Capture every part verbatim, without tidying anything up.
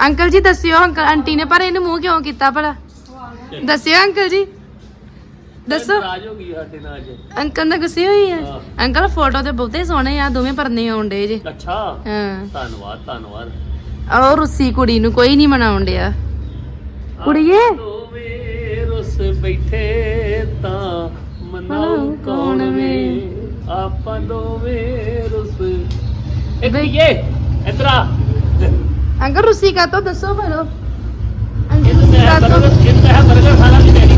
Uncle ਜੀ ਦੱਸਿਓ uncle aunty ਨੇ ਪਰ ਇਹਨੂੰ ਮੂੰਹ ਕਿਉਂ ਕੀਤਾ ਭਲਾ ਦੱਸਿਓ ਅੰਕਲ ਜੀ ਦੱਸੋ ਨਾਰਾਜ਼ ਹੋ ਗਈ ਸਾਡੇ ਨਾਲ ਅੱਜ ਅੰਕਲ ਨਾਲ ਗੁੱਸੇ ਹੋਈ ਹੈ ਅੰਕਲ ਫੋਟੋ ਤੇ ਬਹੁਤੇ ਸੋਹਣੇ ਆ ਦੋਵੇਂ ਪਰਨੇ ਆਉਂਦੇ ਜੇ ਅੱਛਾ ਹਾਂ ਧੰਨਵਾਦ ਧੰਨਵਾਦ ਔਰ ਰੁੱਸੀ ਕੁੜੀ ਨੂੰ ਕੋਈ ਨਹੀਂ ਮਨਾਉਣ ਡਿਆ ਕੁੜੀਏ ਦੋਵੇਂ ਰੁੱਸ ਬੈਠੇ ਤਾਂ ਮਨਾਉ ਕੌਣ ਵੇ ਆਪਾਂ ਦੋਵੇਂ ਰੁੱਸ ਇੱਕ ਇਹ ਇਧਰ ਆ ਅੰਕਲ ਰੁੱਸੀ ਕਾ ਤੋ ਦੱਸੋ ਭਲੋ ਇਹ ਤਾਂ ਮੈਂ ਬਰਗਰ ਇਹ ਤਾਂ ਬਰਗਰ ਖਾਣਾ ਵੀ ਨਹੀਂ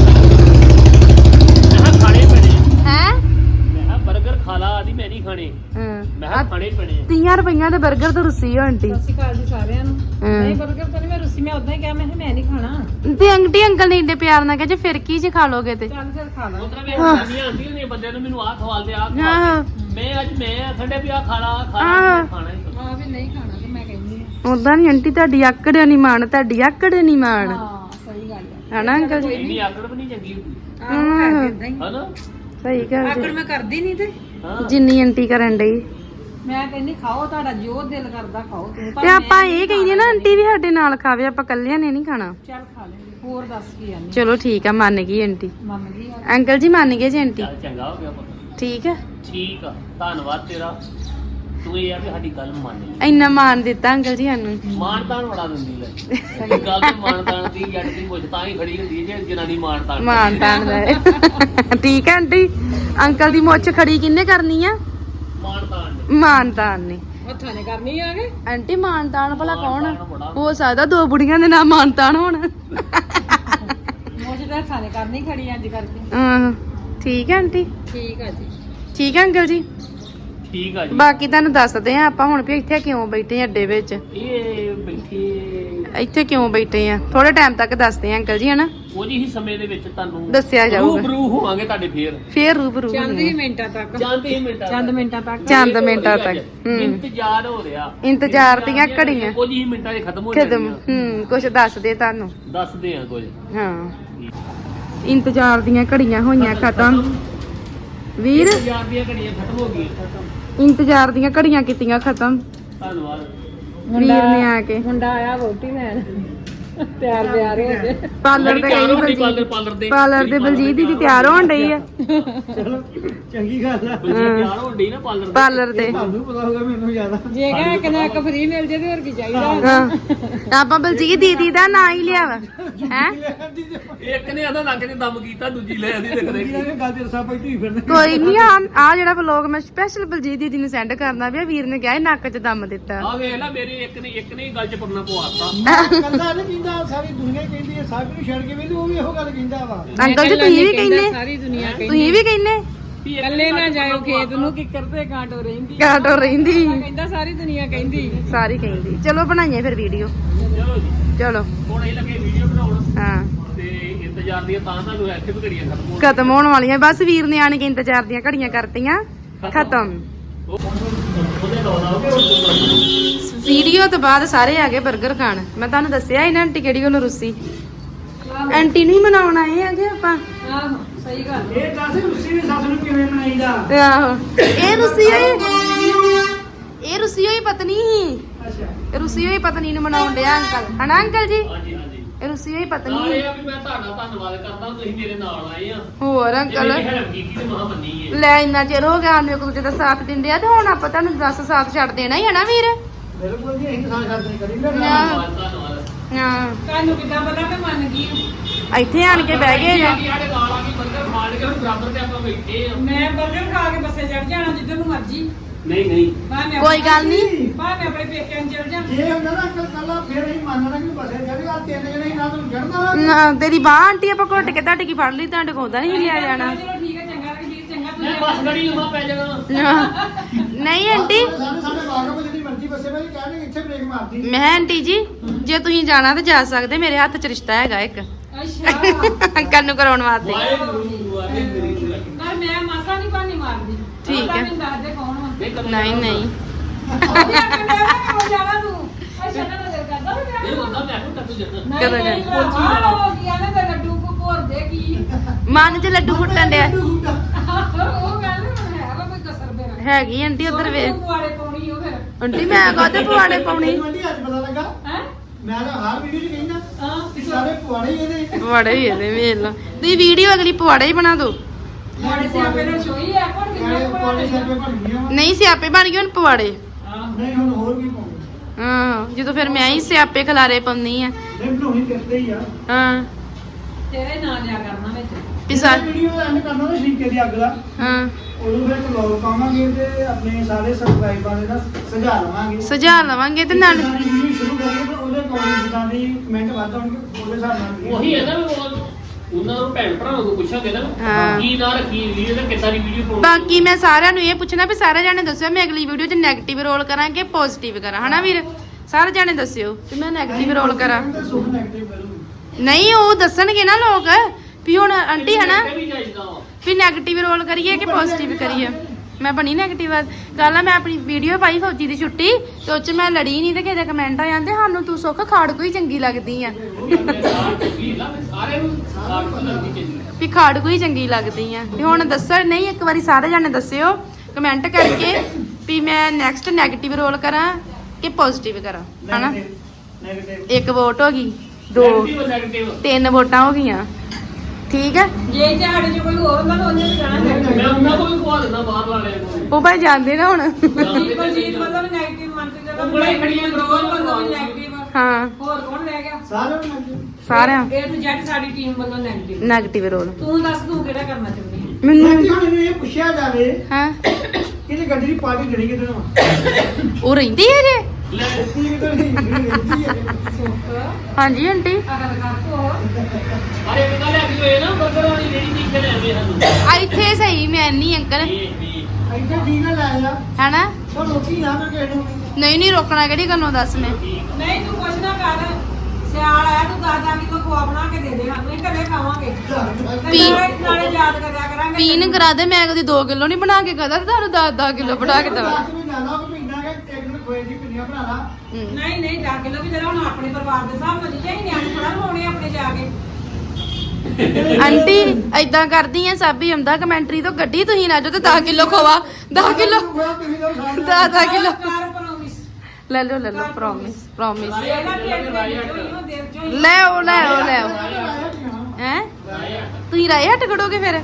ਮੈਂ ਖਾਣੇ ਪੈਣੇ ਹੈ ਮੈਂ ਬਰਗਰ ਖਾ ਲਾ ਆਦੀ ਮੈਂ ਨਹੀਂ ਖਾਣੇ ਮੈਂ ਹਾਂ ਖਾਣੇ ਪੈਣੇ ਤੀਹ ਰੁਪਈਆਂ ਦੇ 버ਗਰ ਤੋਂ ਰੁੱਸੀ ਹੋ ਆਂਟੀ ਸਤਿ ਸ਼੍ਰੀ ਅਕਾਲ ਜੀ ਸਾਰਿਆਂ ਨੂੰ ਨਹੀਂ 버ਗਰ ਤਾਂ ਨਹੀਂ ਮੈਂ ਰੁੱਸੀ ਮੈਂ ਉਦਾਂ ਹੀ ਕਿਹਾ ਮੈਂ ਮੈਂ ਨਹੀਂ ਖਾਣਾ ਤੇ ਆਂਟੀ ਅੰਕਲ ਨੇ ਇੰਨੇ ਪਿਆਰ ਨਾਲ ਕਿਹਾ ਜੇ ਫਿਰ ਕੀ ਜੇ ਖਾ ਲੋਗੇ ਤੇ ਚੱਲ ਫਿਰ ਖਾ ਲਾ ਉਤਰਾ ਵੇ ਨਹੀਂ ਆਂਦੀ ਨੇ ਬੰਦੇ ਨੂੰ ਮੈਨੂੰ ਆਹ ਖਵਾਲ ਦੇ ਆਹ ਹਾਂ ਮੈਂ ਅੱਜ ਮੈਂ ਆਖੰਡੇ ਵੀ ਆ ਖਾ ਲਾ ਖਾ ਹਾਂ। ਲਾ ਖਾਣਾ ਹੀ ਆ ਵੀ ਨਹੀਂ ਖਾਣਾ ਤੇ ਮੈਂ ਕਹਿੰਦੀ ਆ ਉਦਾਂ ਨਹੀਂ ਆਂਟੀ ਤੁਹਾਡੀ ਆਕੜ ਨਹੀਂ ਮਾਣ ਤੁਹਾਡੀ ਆਕੜ ਨਹੀਂ ਮਾਣ ਹਾਂ ਸਹੀ ਗੱਲ ਹੈ ਹਨਾ ਅੰਕਲ ਜੀ ਇੰਨੀ ਆਕੜ ਵੀ ਨਹੀਂ ਚੰਗੀ ਹੁੰਦੀ ਆਹ ਇਦਾਂ ਹੀ ਹਨਾ ਸਹੀ ਗੱਲ ਆਕੜ ਜੀ ਮੈਂ ਕਰਦੀ ਨਹੀਂ ਤੇ ਹਾਂ ਜਿੰਨੀ ਆਂਟੀ ਕਰਨ ਡਈ ਮੈਂ ਕਹਿੰਦੀ ਖਾਓ ਤੁਹਾਡਾ ਜੋ ਦਿਲ ਕਰਦਾ ਖਾਓ ਤੁਸੀਂ ਤੇ ਆਪਾਂ ਇਹ ਕਹਿੰਦੇ ਨਾ ਆਂਟੀ ਵੀ ਸਾਡੇ ਨਾਲ ਖਾਵੇ ਆਪਾਂ ਕੱਲਿਆਂ ਨੇ ਨਹੀਂ ਖਾਣਾ ਚੱਲ ਖਾ ਲੈਂਦੇ ਹੋਰ ਦੱਸ ਕੀ ਆਨੀ ਚਲੋ ਠੀਕ ਆ ਮੰਨ ਗਈ ਆਂਟੀ ਮੰਨ ਗਈ ਆ ਅੰਕਲ ਜੀ ਮੰਨ ਗਏ ਜੀ ਆਂਟੀ ਚੱਲ ਚੰਗਾ ਹੋ ਗਿਆ ਪੁੱਤ ਠੀਕ ਹੈ ਠੀਕ ਆ ਧੰਨਵਾਦ ਤੇਰਾ ਤੂੰ ਇਹ ਆ ਵੀ ਸਾਡੀ ਗੱਲ ਮੰਨ ਲਈ ਇੰਨਾ ਮਾਨ ਦਿੱਤਾ ਅੰਕਲ ਜੀ ਸਾਨੂੰ ਮਾਨਤਾਨ ਬੜਾ ਦਿੰਦੀ ਲੈ ਗੱਲ ਤੇ ਮਾਨਤਾਨ ਦੀ ਜੱਟ ਦੀ ਮੁੱਛ ਤਾਂ ਹੀ ਖੜੀ ਹੁੰਦੀ ਹੈ ਜੇ ਜਨਾਨੀ ਮਾਨਤਾਨ ਮਾਨ ਤਾਨ ਦਾ ਠੀਕ ਹੈ ਆਂਟੀ ਅੰਕਲ ਦੀ ਮੁੱਛ ਖੜੀ ਕਿੰਨੇ ਕਰਨੀ ਆ ਮਾਨਤਾਨ ਨੇ ਮਾਨ ਤਾਨ ਨੇ ਹੱਥਾਂ ਨੇ ਕਰਨੀ ਆ ਕੇ ਆਂਟੀ ਮਾਨ ਤਾਨ ਭਲਾ ਕੌਣ ਆ? ਮਾਨਤਾਨ ਬੜਾ। ਹੋ ਸਕਦਾ ਦੋ ਬੁੜੀਆਂ ਦੇ ਨਾਮ ਮਾਨ ਤਾਨ ਹੋਣ ਮੋਝ ਦੇ ਹੱਥਾਂ ਨੇ ਕਰਨੀ ਖੜੀ ਅੱਜ ਕਰਕੇ ਹਾਂ ਠੀਕ ਹੈ ਆਂਟੀ ਠੀਕ ਆ ਜੀ ਠੀਕ ਹੈ ਅੰਕਲ ਜੀ ਠੀਕ ਆ ਜੀ ਬਾਕੀ ਤੁਹਾਨੂੰ ਦੱਸਦੇ ਆ ਆਪਾਂ ਹੁਣ ਵੀ ਇੱਥੇ ਕਿਉਂ ਬੈਠੇ ਆ ਅੱਡੇ ਵਿੱਚ ਇਹ ਬੈਠੇ ਇੱਥੇ ਕਿਉਂ ਬੈਠੇ ਆ ਥੋੜੇ ਟਾਈਮ ਤੱਕ ਦੱਸਦੇ ਆ ਅੰਕਲ ਜੀ ਹਨਾ ਕੁਝ ਹੀ ਸਮੇਂ ਦੇ ਵਿੱਚ ਤੁਹਾਨੂੰ ਦੱਸਿਆ ਜਾਊਗਾ ਰੂਬਰੂ ਹੋਵਾਂਗੇ ਤੁਹਾਡੇ ਫੇਰ ਫੇਰ ਰੂਬਰੂ ਚੰਦ ਹੀ ਮਿੰਟਾਂ ਤੱਕ ਜਾਂਦੇ ਹੀ ਮਿੰਟਾਂ ਚੰਦ ਮਿੰਟਾਂ ਤੱਕ ਚੰਦ ਮਿੰਟਾਂ ਤੱਕ ਹੂੰ ਇੰਤਜ਼ਾਰ ਹੋ ਰਿਹਾ ਇੰਤਜ਼ਾਰ ਦੀਆਂ ਘੜੀਆਂ ਕੁਝ ਹੀ ਮਿੰਟਾਂ 'ਚ ਖਤਮ ਹੋ ਖਤਮ ਜਾਣਗੀਆਂ ਹੂੰ ਕੁਛ ਦੱਸਦੇ ਤੁਹਾਨੂੰ ਦੱਸਦੇ ਆ ਕੁਝ ਹਾਂ ਇੰਤਜ਼ਾਰ ਦੀਆਂ ਘੜੀਆਂ ਹੋਈਆਂ ਖਤਮ ਵੀਰ ਇੰਤਜ਼ਾਰ ਦੀਆਂ ਘੜੀਆਂ ਖਤਮ ਹੋ ਗਈਆਂ ਖਤਮ ਇੰਤਜ਼ਾਰ ਦੀਆਂ ਘੜੀਆਂ ਕੀਤੀਆਂ ਖਤਮ ਧੰਨਵਾਦ ਵੀਰ ਨੇ ਆ ਕੇ ਮੁੰਡਾ ਆਇਆ ਵੋਟੀ ਲੈਣ ਤਿਆਰ ਬਿਆਰ ਹੋ ਗਏ ਪਾਰਲਰ ਤੇ ਗਈ ਪਾਰਲਰ ਬਲਜੀਤ ਪਾਰਲਰ ਦੇ ਪਾਰਲਰ ਦੇ ਬਲਜੀਤ ਦੀ ਤਿਆਰ ਹੋਣ ਡਈ ਆ ਚੰਗੀ ਗੱਲ ਆ ਤਿਆਰ ਹੋਣ ਡਈ ਨਾ ਪਾਰਲਰ ਪਾਰਲਰ ਤੇ ਤੁਹਾਨੂੰ ਪਤਾ ਹੋਗਾ ਮੈਨੂੰ ਜ਼ਿਆਦਾ ਜੇ ਕਹ ਇੱਕ ਨਾ ਇੱਕ ਫ੍ਰੀ ਮਿਲ ਜੇ ਤੇ ਹੋਰ ਕੀ ਚਾਹੀਦਾ ਹਾਂ ਆਪਾਂ ਬਲਜੀਤ ਦੀਦੀ ਦਾ ਨਾਂ ਹੀ ਲਿਆ ਵਾ ਹੈ ਇੱਕ ਨੇ ਆਦਾ ਨੱਕ 'ਚ ਦਮ ਕੀਤਾ ਦੂਜੀ ਲੈ ਆਦੀ ਦੇਖਦੇ ਇਹਨੇ ਗੱਲ ਤੇ ਰਸਾ ਪਈ ਢੀ ਫਿਰਨੇ ਕੋਈ ਨਹੀਂ ਆ ਆ ਜਿਹੜਾ ਵਲੋਗ ਮੈਂ ਸਪੈਸ਼ਲ ਬਲਜੀਤ ਦੀਦੀ ਨੂੰ ਸੈਂਡ ਕਰਨਾ ਵੀ ਆ ਵੀਰ ਨੇ ਕਿਹਾ ਇਹ ਨੱਕ 'ਚ ਦਮ ਦਿੱਤਾ ਆ ਵੇਖ ਲੈ ਮੇਰੇ ਇੱਕ ਨੇ ਇੱਕ ਨੇ ਹੀ ਗੱਲ 'ਚ ਪਰਨਾ ਪਵਾਤਾ ਕੰਦਾ ਨਹੀਂ ਕਹਿੰਦਾ ਸਾਰੀ ਦੁਨੀਆ ਹੀ ਕਹਿੰਦੀ ਹੈ ਸਭ ਨੂੰ ਛੱਡ ਕੇ ਵੀ ਉਹ ਵੀ ਇਹੋ ਗੱਲ ਕਹਿੰਦਾ ਵਾ ਅੰਕਲ ਜੀ ਤੁਸੀਂ ਵੀ ਕਹਿੰਦੇ ਸਾਰੀ ਦੁਨੀਆ ਤੁਸੀਂ ਵੀ ਕਹਿੰਦੇ ਇਕੱਲੇ ਨਾ ਜਾਇਓ ਖੇਤ ਨੂੰ ਕਿੱਕਰ ਤੇ ਕਾਂਟੋ ਰਹਿੰਦੀ ਕਾਟੋ ਰਹਿੰਦੀ ਕਹਿੰਦਾ ਸਾਰੀ ਦੁਨੀਆ ਕਹਿੰਦੀ ਸਾਰੀ ਕਹਿੰਦੀ ਚਲੋ ਬਣਾਈਏ ਫਿਰ ਵੀਡੀਓ ਚਲੋ ਜੀ ਚਲੋ ਹੁਣ ਇਹ ਲੱਗੇ ਵੀਡੀਓ ਬਣਾਉਣ ਹਾਂ ਤੇ ਇੰਤਜ਼ਾਰ ਦੀਆਂ ਤਾਂ ਤੁਹਾਨੂੰ ਇੱਥੇ ਵੀ ਘੜੀਆਂ ਖਤਮ ਹੋਣ ਖਤਮ ਹੋਣ ਵਾਲੀਆਂ ਬਸ ਵੀਰ ਨੇ ਆਣ ਕੇ ਇੰਤਜ਼ਾਰ ਦੀਆਂ ਘੜੀਆਂ ਕਰਤੀਆਂ ਖਤਮ ਉਹਦੇ ਲਾਉਣਾ ਹੋਵੇ ਵੀਡੀਓ ਤੋਂ ਬਾਅਦ ਸਾਰੇ ਆ ਗਏ 버ਗਰ ਖਾਣ ਮੈਂ ਤੁਹਾਨੂੰ ਦੱਸਿਆ ਇਹਨਾਂ ਆਂਟੀ ਕਿਹੜੀ ਕੋਲ ਰੁੱਸੀ ਆਂਟੀ ਨਹੀਂ ਮਨਾਉਣ ਆਏ ਹੈਗੇ ਆਪਾਂ ਆਹੋ ਸਹੀ ਗੱਲ ਇਹ ਦੱਸ ਰੁੱਸੀ ਦੀ ਸੱਸ ਨੂੰ ਕਿਵੇਂ ਮਨਾਈਦਾ ਆਹੋ ਇਹ ਰੁੱਸੀ ਹੋਈ ਇਹ ਰੁੱਸੀ ਹੋਈ ਪਤਨੀ ਸੀ ਅੱਛਾ ਇਹ ਰੁੱਸੀ ਹੋਈ ਪਤਨੀ ਨੂੰ ਮਨਾਉਣ ਡਿਆ ਅੰਕਲ ਹਨਾ ਅੰਕਲ ਜੀ ਹਾਂਜੀ ਹਾਂਜੀ ਇਹ ਰੁੱਸੀ ਹੋਈ ਨਾਲ ਪਤਨੀ ਇਹ ਆ ਵੀ ਮੈਂ ਤੁਹਾਡਾ ਧੰਨਵਾਦ ਕਰਦਾ ਤੁਸੀਂ ਮੇਰੇ ਨਾਲ ਆਏ ਆ ਹੋਰ ਜੇ ਅੰਕਲ ਮੇਰੀ ਹੈਲਪ ਕੀਤੀ ਤੇ ਮਹਾ ਮੰਨੀ ਹੈ ਲੈ ਇੰਨਾ ਚਿਰ ਹੋ ਗਿਆ ਸਾਨੂੰ ਇੱਕ ਦੂਜੇ ਦਾ ਸਾਥ ਦਿੰਦੇ ਆ ਤੇ ਹੁਣ ਆਪਾਂ ਤੁਹਾਨੂੰ ਦੱਸ ਸਾਥ ਛੱਡ ਦੇਣਾ ਹੀ ਹੈ ਨਾ ਵੀਰ ਬਿਲਕੁਲ ਜੀ ਅਸੀਂ ਤਾਂ ਛੱਡ ਨਹੀਂ ਕਰੀ ਨਾ ਧੰਨਵਾਦ ਧੰਨਵਾਦ ਹਾਂ ਤੁਹਾਨੂੰ ਕਿੱਦਾਂ ਪਤਾ ਕਿ ਮੰਨ ਗਈ ਇੱਥੇ ਆਣ ਕੇ ਬਹਿ ਗਏ ਜਾਂ ਸਾਡੇ ਨਾਲ ਆ ਕੇ ਬਰਗਰ ਖਾਣ ਕੇ ਹੁਣ ਬਰਾਬਰ ਤੇ ਆਪਾਂ ਬੈਠੇ ਆ ਮੈਂ 버ਗਰ ਖਾ ਕੇ ਬੱਸੇ ਚੜ ਜਾਣਾ ਜਿੱਧਰ ਨੂੰ ਮਰਜੀ ਨਹੀਂ ਨਹੀਂ ਭਾਵੇਂ ਕੋਈ ਗੱਲ ਨਹੀਂ ਭਾਵੇਂ ਆਪਣੇ ਪੇਕਿਆਂ ਨੂੰ ਚੜ ਜਾ ਜੇ ਹੁੰਦਾ ਨਾ ਅੰਕਲ ਕੱਲਾ ਫੇਰ ਹੀ ਮੰਨਣਾ ਕਿ ਬਸੇ ਜਾਵੇ ਆ ਤਿੰਨ ਜਣੇ ਹੀ ਨਾ ਤੁਹਾਨੂੰ ਚੜਨਾ ਨਾ, ਤੇਰੀ ਬਾਹ ਆਂਟੀ ਆਪਾਂ ਘੁੱਟ ਕੇ ਤੁਹਾਡੇ ਕੀ ਫੜ ਲਈ ਤੁਹਾਡੇ ਕੋਲ ਤਾਂ ਨਹੀਂ ਲਿਆ ਜਾਣਾ ਚਲੋ ਠੀਕ ਹੈ ਚੰਗਾ ਕਿ ਵੀਰ ਚੰਗਾ ਮੈਂ ਤੁਸੀਂ ਬਸ ਗੜੀ ਲੰਮਾ ਪੈ ਜਾਣਾ ਨਹੀਂ ਆਂਟੀ ਸਾਡੇ ਸਾਡੇ ਬਾਗਾਂ ਵਿੱਚ ਜਿਹੜੀ ਮਰਜ਼ੀ ਬਸੇ ਭਾਈ ਕਹਿੰਦੇ ਇੱਥੇ ਬ੍ਰੇਕ ਮਾਰਦੀ ਮੈਂ ਕਿਹਾ, ਆਂਟੀ ਜੀ ਜੇ ਤੁਸੀਂ ਜਾਣਾ ਤਾਂ ਜਾ ਸਕਦੇ ਮੇਰੇ ਹੱਥ 'ਚ ਰਿਸ਼ਤਾ ਹੈਗਾ ਇੱਕ ਅੱਛਾ ਅੰਕਲ ਨੂੰ ਕਰਾਉਣ ਵਾਸਤੇ ਵਾਹਿਗੁਰੂ ਵਾਹਿਗੁਰੂ ਪਰ ਮੈਂ ਮਾਸਾ ਨਹੀਂ ਪਾਣੀ ਮਾਰਦੀ ਠੀਕ ਹੈ। ਮੈਨੂੰ ਦੱਸ ਦੇ ਕੌਣ ਵਾ ਨਹੀਂ ਕਰਨਾ ਨਹੀਂ ਨਹੀਂ ਉਹਦੀਆਂ ਕੰਨਾਂ ਕਿਉਂ ਜਾਣਾ ਤੂੰ ਅੱਛਾ ਨਾ ਨਜ਼ਰ ਕਰਦਾ ਵੀ ਇਹ ਮੈਂ ਹੁੰਦਾ ਮੈਂ ਕਿਉਂ ਤੂੰ ਜੱਟ ਨਹੀਂ ਕਦੋਂ ਨਹੀਂ ਜਾਣਾ? ਭਰਾ ਹੋ ਗਿਆ ਨਾ ਤੇ ਲੱਡੂ ਕੋ ਭੋਰ ਦੇ ਕੀ ਮਨ 'ਚ ਲੱਡੂ ਫੁੱਟਣ ਡਿਆ ਉਹ ਗੱਲ ਹੈ ਵਾ ਕੋਈ ਕਸਰ ਬੇਰਾ ਹੈਗੀ ਆਂਟੀ ਉਧਰ ਵੇ ਪੁਆੜੇ ਪਾਉਣੀ ਉਹ ਫਿਰ ਆਂਟੀ ਮੈਂ ਕਾਹਦੇ ਪਵਾੜੇ ਪਾਉਣੀ ਮੈਨੂੰ ਆਂਟੀ ਅੱਜ ਪਤਾ ਲੱਗਾ ਹੈ ਮੈਂ ਤਾਂ ਹਰ ਵੀਡੀਓ 'ਚ ਕਹਿੰਦਾ ਹਾਂ ਕਿ ਸਾਰੇ ਪੁਆੜੇ ਹੀ ਇਹਦੇ ਪਵਾੜੇ ਹੀ ਇਹਦੇ ਵੇਖ ਲਓ ਤੁਸੀਂ ਵੀਡੀਓ ਅਗਲੀ ਪਵਾੜੇ ਹੀ ਬਣਾ ਦਿਓ ਮਾੜੇ ਸਿਆਪੇ ਨਾਲ ਸ਼ੋਈ ਆ ਕੋਣ ਪੁਆੜੇ ਪੁਆੜੇ ਸਿਰ ਤੇ ਬਣ ਗਏ ਹੁਣ। ਨਹੀਂ ਸਿਆਪੇ ਬਣ ਗਏ ਹੁਣ ਪਵਾੜੇ ਹਾਂ ਨਹੀਂ ਹੁਣ ਹੋਰ ਕੀ ਪਾਉਂਦੇ ਹਾਂ ਜਦੋਂ ਫਿਰ ਮੈਂ ਹੀ ਸਿਆਪੇ ਖਲਾਰੇ ਪਾਉਂਦੀ ਆ ਨਹੀਂ ਬਣਾਉਣੀ ਕਰਦੇ ਹੀ ਆ ਹਾਂ ਤੇਰਾ ਹੀ ਨਾਂ ਲਿਆ ਕਰਨਾ ਵਿੱਚ ਪਿਸਾ ਵੀਡੀਓ ਐਂਡ ਕਰਨਾ ਨਾ ਸ਼ਰੀਕੇ ਦੀ ਅੱਗ ਦਾ ਹਾਂ ਉਦੋਂ ਫਿਰ ਵਲੌਗ ਪਾਵਾਂਗੇ ਤੇ ਆਪਣੇ ਸਾਰੇ ਸਬਸਕ੍ਰਾਈਬਰਾਂ ਦੇ ਨਾਲ ਸੁਝਾ ਲਵਾਂਗੇ ਸੁਝਾ ਲਵਾਂਗੇ ਤੇ ਨਾਲ ਵੀਡੀਓ ਸ਼ੁਰੂ ਕਰੀਏ ਤਾਂ ਉਹਦੇ ਕਮੈਂਟ ਜਿੱਦਾਂ ਦੀ ਕਮੈਂਟ ਵੱਧ ਆਉਣਗੇ ਉਹਦੇ ਹਿਸਾਬ ਨਾਲ ਉਹੀ ਹੈ ਨਾ ਵੀ ਉਹ- ਉਹਨਾਂ ਨੂੰ ਭੈਣ ਭਰਾਵਾਂ ਨੂੰ ਪੁੱਛਾਂਗੇ ਨਾ ਹਾਂ। ਕੀ ਨਾ ਰੱਖੀ ਵੀਡੀਓ ਤੇ ਕਿੱਦਾਂ ਦੀ ਵੀਡੀਓ ਪਾਉਣੀ ਬਾਕੀ ਮੈਂ ਸਾਰਿਆਂ ਨੂੰ ਇਹ ਪੁੱਛਣਾ ਵੀ ਸਾਰੇ ਜਾਣੇ ਦੱਸਿਓ ਮੈਂ ਅਗਲੀ ਵੀਡੀਓ 'ਚ 네ਗੇਟਿਵ ਰੋਲ ਕਰਾਂ ਕਿ ਪੋਜ਼ਿਟਿਵ ਕਰਾਂ ਹਨਾ ਵੀਰ ਸਾਰੇ ਜਾਣੇ ਦੱਸਿਓ ਕਿ ਮੈਂ 네ਗੇਟਿਵ ਰੋਲ ਕਰਾਂ ਸੁਖ ਨੈਗੇਟਿਵ ਕਰੂੰਗੀ ਨਹੀਂ ਉਹ ਦੱਸਣਗੇ ਨਾ ਲੋਕ ਵੀ ਹੁਣ ਆਂਟੀ ਹਨਾ ਇਹ ਵੀ ਚਾਹੀਦਾ ਵਾ ਵੀ 네ਗੇਟਿਵ ਰੋਲ ਕਰੀਏ ਕਿ ਪੋਜ਼ਿਟਿਵ ਕਰੀਏ ਮੈਂ ਬਣੀ 네ਗੇਟਿਵ ਕੱਲ ਮੈਂ ਆਪਣੀ ਵੀਡੀਓ ਪਾਈ ਫੌਜੀ ਦੀ ਛੁੱਟੀ ਤੇ ਉਹ 'ਚ ਮੈਂ ਲੜੀ ਨਹੀਂ ਤੇ ਕਿਸੇ ਦੇ ਕਮੈਂਟ ਆ ਜਾਂਦੇ ਸਾਨੂੰ ਤੂੰ ਸੁੱਖ ਖਾੜ ਕੋਈ ਚੰਗੀ ਲੱਗਦੀ ਆ ਸਾਰੇ ਨੂੰ ਸਾਰ ਤੋਂ ਲੱਗਦੀ ਚਾਹੀਦੀ ਵੀ ਖਾੜ ਕੋਈ ਚੰਗੀ ਲੱਗਦੀ ਆ ਤੇ ਹੁਣ ਦੱਸਣ ਨਹੀਂ ਇੱਕ ਵਾਰੀ ਸਾਰੇ ਜਾਣੇ ਦੱਸਿਓ ਕਮੈਂਟ ਕਰਕੇ ਵੀ ਮੈਂ ਨੈਕਸਟ 네ਗੇਟਿਵ ਰੋਲ ਕਰਾਂ ਕਿ ਪੋਜ਼ਿਟਿਵ ਕਰਾਂ ਹਨਾ ਨੈਗੇਟਿਵ ਇੱਕ ਵੋਟ ਹੋ ਗਈ ਦੋ ਨੈਗੇਟਿਵ ਨੈਗੇਟਿਵ ਤਿੰਨ ਵੋਟਾਂ ਹੋ ਗਈਆਂ ਠੀਕ ਹੈ ਜੇ ਝਾੜੇ 'ਚ ਕੋਈ ਹੋਰ ਹੁੰਦਾ ਤਾਂ ਉਹਨੇ ਵੀ ਜਾਣਾ ਮੈਂ ਉਹਨਾਂ ਕੋਲ ਵੀ ਖਵਾ ਦਿੰਦਾ ਬਾਹਰ ਵਾਲਿਆਂ ਨੂੰ ਉਹ ਭਾਈ ਜਾਂਦੇ ਨਾ ਹੁਣ ਬਲਜੀਤ ਬਲਜੀਤ ਵੱਲੋਂ ਵੀ ਨੈਗੇਟਿਵ ਮੰਨ ਕੇ ਚੱਲੋ ਉਂਗਲਾਂ ਹੀ ਖੜੀਆਂ ਕਰੋ। ਰੋਜ਼ ਵੱਲੋਂ ਵੀ ਨੈਗੇਟਿਵ ਹਾਂ ਹੋਰ ਕੌਣ ਰਹਿ ਗਿਆ ਸਾਰਿਆਂ ਨੂੰ ਨੈਗੇਟਿਵ ਸਾਰਿਆਂ ਏ ਟੂ ਜ਼ੈਡ ਸਾਡੀ ਟੀਮ ਵੱਲੋਂ ਨੈਗੇਟਿਵ 네ਗੇਟਿਵ ਰੋਲ ਤੂੰ ਦੱਸ ਤੂੰ ਕਿਹੜਾ ਕਰਨਾ ਚਾਹੁੰਦੀ ਹੈ ਮੈਨੂੰ ਮੈਂ ਹੁਣ ਇਹਨੂੰ ਇਹ ਪੁੱਛਿਆ ਜਾਵੇ ਹਾਂ ਕਿ ਇਹ ਗੱਡੀ ਦੀ ਪਾਰਟੀ ਜਣੀ ਕਿਤੇ ਨੂੰ ਉਹ ਰਹਿੰਦੀ ਹੈ ਜੇ ਲੈ ਕੀ ਕਿਤੇ ਨਹੀਂ ਰਹਿੰਦੀ ਹੈ ਸੁੱਖ ਹਾਂਜੀ ਆਂਟੀ ਅਗਰ ਕਰ ਕੋ ਅਰੇ ਇੱਕ ਗੱਲ ਹੈ ਕਿ ਇਹ ਨਾ ਬਰਗਰ ਵਾਲੀ ਜਿਹੜੀ ਚੀਜ਼ ਤੇ ਲੈਂਦੇ ਸਾਨੂੰ ਆ ਇੱਥੇ ਸਹੀ ਮੈਂ ਨਹੀਂ ਅੰਕਲ ਇਹ ਵੀ ਇੱਥੇ ਠੀਕ ਹੈ ਲੈ ਜਾ ਹੈਨਾ ਪਰ ਰੋਟੀ ਨਾ ਮੈਂ ਕਿਸੇ ਨੂੰ ਨਹੀਂ ਨਹੀਂ ਰੋਕਣਾ ਕਿਹੜੀ ਗੱਲੋਂ ਦੱਸ ਮੈਂ ਨਹੀਂ ਤੂੰ ਕੁਛ ਨਾ ਕਰ ਸਿਆਲ ਆਇਆ ਤੂੰ ਦਾਦਾ ਕੀ ਕੋ ਖਵਾ ਬਣਾ ਕੇ ਦੇ ਦੇ ਸਾਨੂੰ ਹੀ ਘਰੇ ਖਾਵਾਂਗੇ ਤੇ ਪੀ- ਨਾਲੇ ਨਾਲੇ ਯਾਦ ਕਰਿਆ ਕਰਾਂਗੇ ਪੀਣ ਕਰਾ ਦੇ ਮੈਂ ਕਦੀ ਦੋ ਕਿਲੋ ਨਹੀਂ ਬਣਾ ਕੇ ਕਹਦਾ ਤੁਹਾਨੂੰ ਦਸ ਦਸ ਕਿਲੋ ਬਣਾ ਕੇ ਦਵਾ ਦਸ ਮਿੰਟ ਜ਼ਿਆਦਾ ਕਿ ਪੀਂਦਾ ਕਿ ਇੱਕ ਦਿਨ ਖੋਏ ਦੀ ਪਿੰਨੀਆਂ ਬਣਾ ਲਾ ਨਹੀਂ ਨਹੀਂ ਜਾ ਕੇ ਲੋ ਵੀ ਜਰਾ ਹੁਣ ਆਪਣੇ ਪਰਿਵਾਰ ਦੇ ਹਿਸਾਬ ਨਾਲ ਜੀ ਚਾਹੀ ਨਿਆਣੇ ਥੋੜਾ ਹੋਣੇ ਆਪਣੇ ਜਾ ਕੇ ਆਂਟੀ ਐਦਾਂ ਕਰਦੀ ਐ ਸਾਬੀ ਆਉਂਦਾ ਕਮੈਂਟਰੀ ਤੋਂ ਗੱਡੀ ਤੁਸੀਂ ਨਾ ਜੋ ਤੇ ਦਸ ਕਿਲੋ ਖਵਾ ਦਸ ਕਿਲੋ ਦਸ ਦਸ ਕਿਲੋ ਕਰ ਪ੍ਰੋਮਿਸ ਲੈ ਲਓ ਲੈ ਲਓ ਪ੍ਰੋਮਿਸ ਪ੍ਰੋਮਿਸ ਇਹਦਾ ਪੇਟ ਵਿੱਚ ਦੇਵ ਚੋਂ ਲੈ ਆਓ ਲੈ ਆਓ ਲੈ ਆਓ ਹੈ ਤੁਸੀਂ ਰਾਏ ਹਟ ਖੜੋਗੇ ਫਿਰ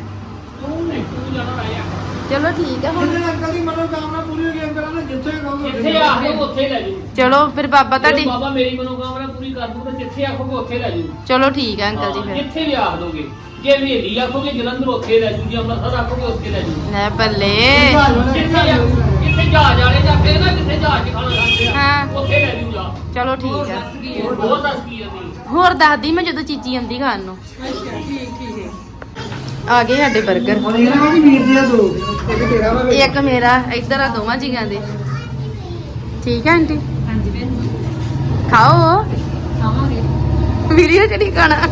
ਚਲੋ ਠੀਕ ਹੈ ਹੁਣ ਜਿਹਦੇ ਅੰਕਲ ਦੀ ਮਨੋਕਾਮਨਾ ਪੂਰੀ ਹੋ ਗਈ ਅੰਕਲ ਨੇ ਜਿੱਥੇ ਕਹੋਗੇ ਜਿੱਥੇ ਆਖੋ ਉੱਥੇ ਲੈ ਜੂ ਚਲੋ ਫਿਰ ਬਾਬਾ ਤੁਹਾਡੀ ਬਾਬਾ ਮੇਰੀ ਮਨੋਕਾਮਨਾ ਪੂਰੀ ਕਰ ਦੂਗਾ ਜਿੱਥੇ ਆਖੋਗੇ ਉੱਥੇ ਲੈ ਜੂ ਚਲੋ ਠੀਕ ਹੈ ਅੰਕਲ ਜੀ ਫਿਰ ਜਿੱਥੇ ਵੀ ਆਖ ਦੋਗੇ ਜੇ ਹਵੇਲੀ ਆਖੋਗੇ ਜਲੰਧਰ ਉੱਥੇ ਲੈ ਜੂ ਜੇ ਅੰਮ੍ਰਿਤਸਰ ਆਖੋਗੇ ਉੱਥੇ ਲੈ ਜੂ ਲੈ ਬੱਲੇ ਜਿੱਥੇ ਜਾ- ਜਿੱਥੇ ਜਹਾਜ਼ ਵਾਲੇ ਜਾਂਦੇ ਨਾ ਜਿੱਥੇ ਜਹਾਜ਼ 'ਚ ਖਾਣਾ ਖਾਂਦੇ ਆ ਹਾਂ। ਉੱਥੇ ਲੈ ਜੂ ਜਾ ਚਲੋ ਠੀਕ ਹੈ ਹੋਰ ਦੱਸ ਕੀ ਆ ਤੂੰ ਹੋਰ ਦੱਸਦੀ ਮੈਂ ਜਦੋਂ ਚੀਚੀ ਆਂਦੀ ਖਾਣ ਨੂੰ ਅੱਛਾ ਠੀਕ ਠੀਕ ਆ ਗਏ ਸਾਡੇ 버ਗਰ ਹੁਣ ਇਹਨਾਂ ਨੇ ਵੀਰ ਦੀਆਂ ਦੋ ਇੱਕ ਤੇਰਾ ਵਾ ਇੱਕ ਮੇਰਾ ਇੱਧਰ ਆ ਦੋਵਾਂ ਜੀਆਂ ਦੇ ਠੀਕ ਹੈ ਆਂਟੀ ਹਾਂਜੀ ਭੈਣ ਖਾਓ ਖਾਵਾਂਗੇ ਵੀਡੀਓ ਚ ਨਹੀਂ ਖਾਣਾ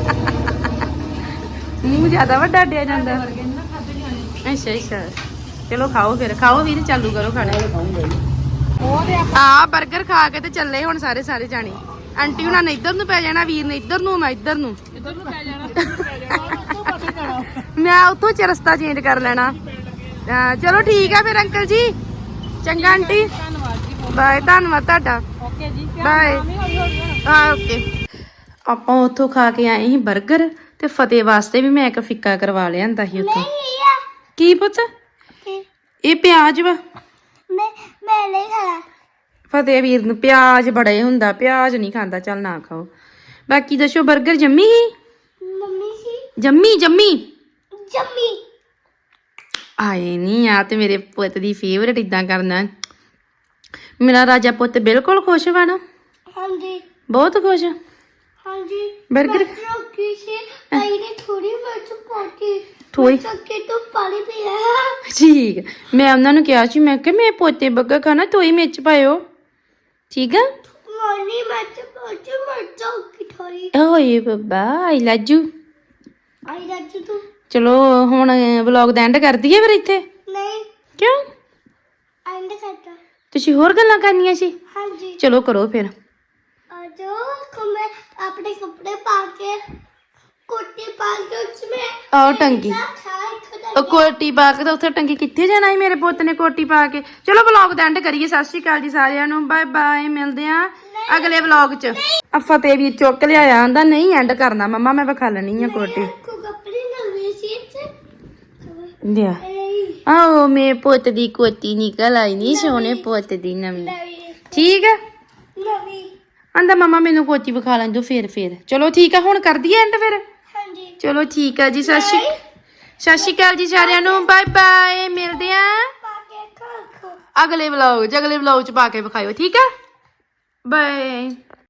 ਮੂੰਹ ਜ਼ਿਆਦਾ ਵੱਡਾ ਡਿਆ ਜਾਂਦਾ ਵਰਗੇ ਨਾ ਖਾਦੇ ਜਾਣੇ ਅੱਛਾ ਅੱਛਾ ਚਲੋ ਖਾਓ ਫਿਰ ਖਾਓ ਵੀਰ ਚਾਲੂ ਕਰੋ ਖਾਣਾ ਉਹ ਤੇ ਆ 버ਗਰ ਖਾ ਕੇ ਤੇ ਚੱਲੇ ਹੁਣ ਸਾਰੇ ਸਾਰੇ ਜਾਣੇ ਆਂਟੀ ਹੁਣਾਂ ਨੇ ਇੱਧਰ ਨੂੰ ਪੈ ਜਾਣਾ ਵੀਰ ਨੇ ਇੱਧਰ ਨੂੰ ਮੈਂ ਇੱਧਰ ਨੂੰ ਇੱਧਰ ਨੂੰ ਪੈ ਜਾਣਾ ਮੈਂ ਉੱਥੋਂ ਚ ਰਸਤਾ ਚੇਂਜ ਕਰ ਲੈਣਾ ਅਹ ਚਲੋ ਠੀਕ ਹੈ ਫਿਰ ਅੰਕਲ ਜੀ ਚੰਗਾ ਆਂਟੀ ਧੰਨਵਾਦ ਜੀ ਬਾਏ ਧੰਨਵਾਦ ਤੁਹਾਡਾ ਓਕੇ ਜੀ ਬਾਏ ਹਾਂ ਓਕੇ ਆਪਾਂ ਉੱਥੋਂ ਖਾ ਕੇ ਆਏ ਸੀ 버ਗਰ ਤੇ ਫਤਿਹ ਵਾਸਤੇ ਵੀ ਮੈਂ ਇੱਕ ਫਿੱਕਾ ਕਰਵਾ ਲਿਆਂਦਾ ਸੀ ਉੱਥੋਂ ਕੀ ਪੁੱਤ ਇਹ ਪਿਆਜ਼ ਵਾ ਮੈਂ ਮੈਂ ਨਹੀਂ ਖਾਣਾ ਫਤਿਹ ਵੀਰ ਨੂੰ ਪਿਆਜ਼ ਬੜੇ ਹੁੰਦਾ ਪਿਆਜ਼ ਨਹੀਂ ਖਾਂਦਾ ਚੱਲ ਨਾ ਖਾਓ ਬਾਕੀ ਦੱਸੋ 버ਗਰ ਜੰਮੀ ਸੀ ਮੰਮੀ ਸੀ ਜੰਮੀ ਜੰਮੀ ਜੰਮੀ ਆਏ ਨਹੀਂ ਆ ਤੇ ਮੇਰੇ ਪੁੱਤ ਦੀ ਫੇਵਰੇਟ ਇਦਾਂ ਕਰਨਾ ਮੇਰਾ ਰਾਜਾ ਪੁੱਤ ਬਿਲਕੁਲ ਖੁਸ਼ ਵਾ ਨਾ ਹਾਂਜੀ ਬਹੁਤ ਖੁਸ਼ ਹਾਂਜੀ 버ਗਰ ਰੋਕੀ ਸੀ ਆਈ ਨੇ ਥੋੜੀ ਮਿਰਚ ਪਾਤੀ ਥੋੜੀ ਚੱਕੇ ਤੋਂ ਪਾਣੀ ਪੀ ਰਿਹਾ ਠੀਕ ਹੈ। ਮੈਂ ਉਹਨਾਂ ਨੂੰ ਕਿਹਾ ਸੀ ਮੈਂ ਕਿ ਮੇਰੇ ਪੋਤੇ 버ਗਰ ਖਾਣਾ ਤੋਈ ਮਿਰਚ ਪਾਇਓ ਠੀਕ ਆ ਮੋਨੀ ਮਿਰਚ ਪਾਤੀ ਮਿਰਚ ਕੀ ਥੋੜੀ ਓਏ ਬੱਬਾ ਆਈ ਲਾਜੂ ਆਈ ਰੱਜ ਤੂੰ ਚਲੋ ਹੁਣ ਵਲੌਗ ਦਾ ਐਂਡ ਕਰ ਦਈਏ ਫਿਰ ਇੱਥੇ ਨਹੀਂ ਕਿਉਂ ਐਂਡ ਕਰਤਾ ਤੁਸੀਂ ਹੋਰ ਗੱਲਾਂ ਕਰਨੀਆਂ ਸੀ ਹਾਂਜੀ ਚਲੋ ਕਰੋ ਫਿਰ ਆਜੋ ਕਮੇ ਆਪਣੇ ਕੱਪੜੇ ਪਾ ਕੇ ਕੋਟੀ ਪਾ ਕੇ ਉਸਮੇ ਆਓ ਟੰਗੀ ਖਾਈ ਖੁਦਾ ਉਹ ਕੋਟੀ ਪਾ ਕੇ ਤਾਂ ਉੱਥੇ ਟੰਗੀ ਕਿੱਥੇ ਜਾਣਾ ਸੀ ਮੇਰੇ ਪੁੱਤ ਨੇ ਕੋਟੀ ਪਾ ਕੇ ਚਲੋ ਵਲੌਗ ਦਾ ਐਂਡ ਕਰੀਏ ਸਤਿ ਸ਼੍ਰੀ ਅਕਾਲ ਜੀ ਸਾਰਿਆਂ ਨੂੰ ਬਾਏ ਬਾਏ ਮਿਲਦੇ ਆਂ ਅਗਲੇ ਵਲੌਗ 'ਚ ਆ ਫਤਿਹ ਵੀ ਚੁੱਕ ਲਿਆਇਆ ਆਂਦਾ ਨਹੀਂ ਐਂਡ ਕਰਨਾ ਮੰਮਾ ਮੈਂ ਵਿਖਾ ਲੈਣੀ ਆ ਕੋਟੀ ਕੋ ਕੱਪੜੇ ਨਵੇਂ ਸੀ ਲਿਆ ਆਓ ਮੇ ਪੁੱਤ ਦੀ ਕੋਟੀ ਨਿਕਲ ਆਈ ਨਹੀਂ ਸੋਹਣੇ ਪੁੱਤ ਦੀ ਨਵੀਂ ਨਵੀਂ ਠੀਕ ਆ ਨਵੀਂ ਆਂਦਾ ਮਮਾ ਮੈਨੂੰ ਕੋਟੀ ਵਿਖਾ ਲੈਣ ਦਿਓ ਫੇਰ ਫੇਰ ਚਲੋ ਠੀਕ ਆ ਹੁਣ ਕਰ ਦਈਏ ਐਂਡ ਫਿਰ ਹਾਂਜੀ ਚਲੋ ਠੀਕ ਆ ਜੀ ਸਤਿ ਸ਼੍ਰੀ ਸਤਿ ਸ਼੍ਰੀ ਅਕਾਲ ਜੀ ਸਾਰਿਆਂ ਨੂੰ ਬਾਏ ਬਾਏ ਮਿਲਦੇ ਆ ਪਾ ਕੇ ਖਾ ਖੋ ਅਗਲੇ ਵਲੌਗ 'ਚ ਅਗਲੇ ਵਲੌਗ 'ਚ ਪਾ ਕੇ ਵਿਖਾਇਓ ਠੀਕ ਆ ਬਾਏ